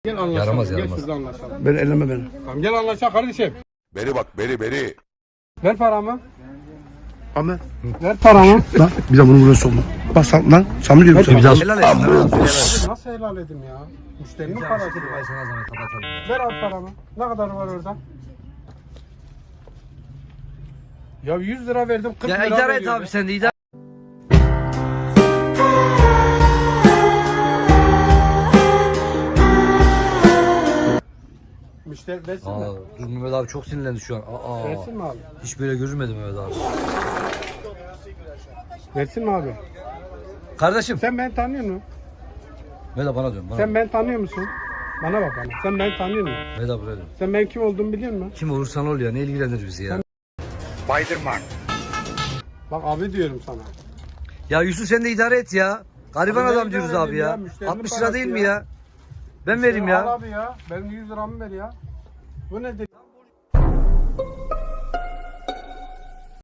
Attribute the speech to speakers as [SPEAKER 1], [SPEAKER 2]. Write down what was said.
[SPEAKER 1] Gel anlaşalım.
[SPEAKER 2] Yaramaz,
[SPEAKER 1] Gel
[SPEAKER 2] yaramaz.
[SPEAKER 1] şurada anlaşalım.
[SPEAKER 3] Ben elleme beni.
[SPEAKER 1] Tamam gel anlaşalım kardeşim.
[SPEAKER 4] Beri bak beri.
[SPEAKER 1] Ver paramı.
[SPEAKER 3] Ahmet.
[SPEAKER 1] Ver paramı.
[SPEAKER 3] Lan bir de bunu buraya sokma. Bak lan sen mi diyorsun?
[SPEAKER 2] Bir daha helal et. Helal et.
[SPEAKER 1] Nasıl helal edeyim ya? Müşterinin parası.
[SPEAKER 2] Ay sana zahmet kapatalım.
[SPEAKER 1] Ver abi paramı. Ne kadar var orada? Ya 100 lira verdim 40
[SPEAKER 2] Ya
[SPEAKER 1] lira
[SPEAKER 2] idare et
[SPEAKER 1] veriyor
[SPEAKER 2] abi
[SPEAKER 1] ya.
[SPEAKER 2] sen de idare.
[SPEAKER 1] Müşteri versin
[SPEAKER 2] Aa,
[SPEAKER 1] mi?
[SPEAKER 2] dur Mehmet abi çok sinirlendi şu an.
[SPEAKER 1] Versin mi abi?
[SPEAKER 2] Hiç böyle görülmedi Mehmet abi.
[SPEAKER 1] Versin mi abi?
[SPEAKER 2] Kardeşim.
[SPEAKER 1] Sen beni tanıyor musun?
[SPEAKER 2] Mehmet abi bana diyorum. Bana.
[SPEAKER 1] Sen beni tanıyor musun? Bana bak bana. Sen beni tanıyor musun?
[SPEAKER 2] Mehmet abi böyle.
[SPEAKER 1] Sen ben kim olduğumu biliyor musun?
[SPEAKER 2] Kim olursan ol ya ne ilgilenir bizi ya.
[SPEAKER 1] Bak abi diyorum sana.
[SPEAKER 2] Ya Yusuf sen de idare et ya. Gariban
[SPEAKER 1] Abi
[SPEAKER 2] adam
[SPEAKER 1] ben
[SPEAKER 2] diyoruz
[SPEAKER 1] idare
[SPEAKER 2] abi
[SPEAKER 1] edeyim
[SPEAKER 2] ya.
[SPEAKER 1] ya, müşterinin
[SPEAKER 2] 60 lira
[SPEAKER 1] parası
[SPEAKER 2] değil mi
[SPEAKER 1] ya.
[SPEAKER 2] ya? Ben vereyim
[SPEAKER 1] Al
[SPEAKER 2] ya.
[SPEAKER 1] abi ya. Benim 100 liramı ver ya. Bu nedir?